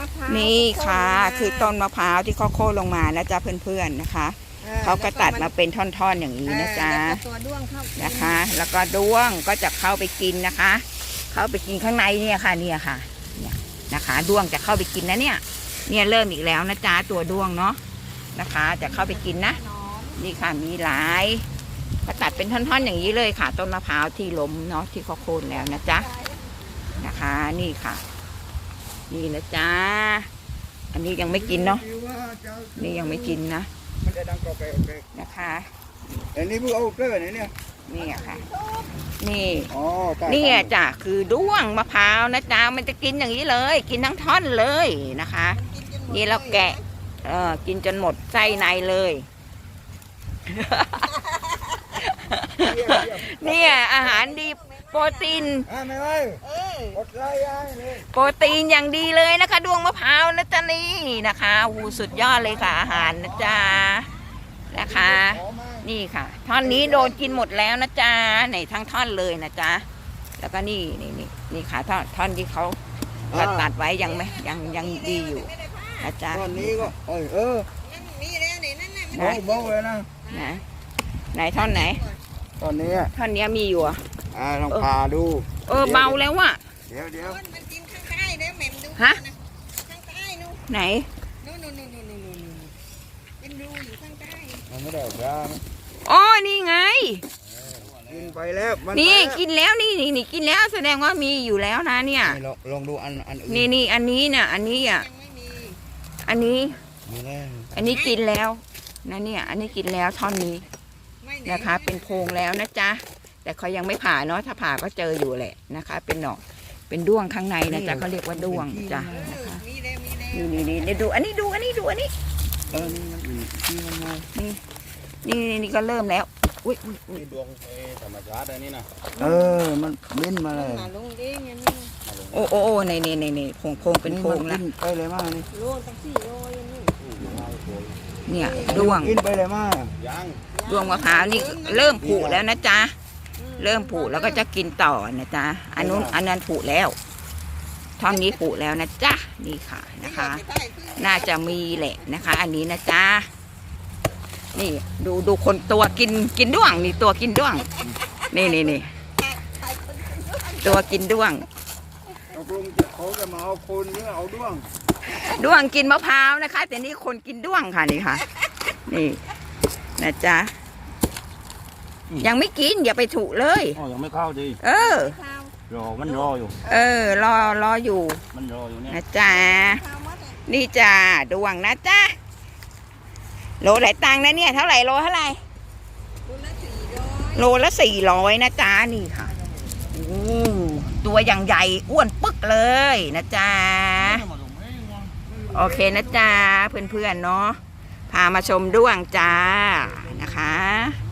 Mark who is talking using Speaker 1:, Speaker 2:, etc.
Speaker 1: ะพร้าว
Speaker 2: นี่ค่ะคือต้นมะพร้าวที่เขาโค่นลงมานะจ๊ะเพื่อนๆนะคะเขาก็ตัดมาเป็นท่อนๆอย่างนี้นะจ๊ะ
Speaker 1: ตัวด้วงเข้า
Speaker 2: นะคะ แล้วก็ด้วงก็จะเข้าไปกินนะคะ เข้าไปกินข้างในเนี่ยค่ะเนี่ยค่ะเนี่ยนะคะด้วงจะเข้าไปกินนะเนี่ยเริ่มอีกแล้วนะจ๊ะตัวด้วงเนาะนะคะจะเข้าไปกินนะนี่ค่ะมีหลายก็ตัดเป็นท่อนๆอย่างนี้เลยค่ะต้นมะพร้าวที่ล้มเนาะที่เขาโค่นแล้วนะจ๊ะนะคะนี่ค่ะนี่นะจ๊ะอันนี้ยังไม่กินเนาะนี่ยังไม่กินนะ
Speaker 3: มันจะดังกรอบไปโอเค
Speaker 2: นะคะ
Speaker 3: อันนี้พวกเอาเกลือไหนเนี่ย
Speaker 2: นี่ค่ะนี่
Speaker 3: นี่
Speaker 2: นี่จ้ะคือด้วงมะพร้าวนะจ๊ะมันจะกินอย่างนี้เลยกินทั้งท่อนเลยนะคะนี่เราแกะกินจนหมดไส้ในเลยเนี่ยอาหารดีโปรตีนโปรตีนอย่างดีเลยนะคะด้วงมะพร้าวนะจ๊ะนี่นะคะสุดยอดเลยค่ะอาหารนะจ๊ะนะคะนี่ค่ะท่อนนี้โดนกินหมดแล้วนะจ๊ะในทั้งท่อนเลยนะจ๊ะแล้วก็นี่ค่ะท่อนที่เขาตัดไว้ยังไม่ยังดีอยู่นะจ๊ะ
Speaker 3: ท่อนนี้ก็
Speaker 1: มีแล้วนี่นั่น
Speaker 3: น่ะเบาเลยนะ
Speaker 2: ไหนท่อนไหน
Speaker 3: ท่อนนี้
Speaker 2: มีอยู่
Speaker 3: ลองพาดู
Speaker 2: เบาแล้วว่ะ
Speaker 3: เดี๋ยว
Speaker 1: มันกินข้างใต้แล้วแหม่มดู
Speaker 2: ฮะ
Speaker 1: ข้างใต้นู่น
Speaker 2: ไหน
Speaker 1: นู่นเป็นรูอยู่ข้างใต้
Speaker 3: มันไม่ได้ออกยา
Speaker 2: อ๋อนี่ไง
Speaker 3: กินไปแล้ว
Speaker 2: นี่กินแล้วนี่กินแล้วแสดงว่ามีอยู่แล้วนะเนี่ย
Speaker 3: ลองดูอันอื่น
Speaker 2: นี่อันนี้เนี่ยอันนี้อ่ะอันนี้กินแล้วนะเนี่ยอันนี้กินแล้วท่อนนี้นะคะเป็นโพรงแล้วนะจ๊ะแต่เขายังไม่ผ่าเนาะถ้าผ่าก็เจออยู่แหละนะคะเป็นหนอกเป็นด้วงข้างในนะจ๊ะเขาเรียกว่าด้วงจ้ะนะคะนี่ดูอันนี้นี่ก็เริ่มแล้วอุ้ย
Speaker 3: ดวงธรรมชาติอะไรนี่นะมันบินมาเลย
Speaker 2: โอ้ในโพรงเป็นโพรงแล้ว
Speaker 3: ไปเลยมากนี่
Speaker 1: โลตั้ง4 โล
Speaker 2: เนี่ยด้วง
Speaker 3: กินไปเลยมาก
Speaker 2: ด้วงมะพร้าวนี่เริ่มผุแล้วนะจ๊ะเริ่มผุแล้วก็จะกินต่อนะจ๊ะอันนั้นผุแล้วท่อนนี้ผุแล้วนะจ๊ะนี่ค่ะนะคะน่าจะมีแหละนะคะอันนี้นะจ๊ะนี่ดูคนตัวกินด้วงนี่ตัวกินด้วงนี่ตัวกินด้วง
Speaker 3: เขาจะมาเอาคนหรือเอาด้
Speaker 2: วงกินมะพร้าวนะคะแต่นี่คนกินด้วงค่ะนี่ค่ะนี่นะจ๊ะยังไม่กินอย่าไปถูเลย
Speaker 3: ยังไม่เข้าดีมันรออยู่
Speaker 2: รออยู่
Speaker 3: มันรออยู่เนี่ย
Speaker 2: นะจ๊ะนี่จ้าด้วงนะจ๊ะโลหลายตังค์นะเนี่ยเท่าไหร่โลเท่าไหร่โลละ400นะจ๊ะนี่ค่ะตัวอย่างใหญ่อ้วนปึ๊กเลยนะจ๊ะโอเคนะจ๊ะเพื่อนๆเนาะพามาชมด้วงจ้านะคะ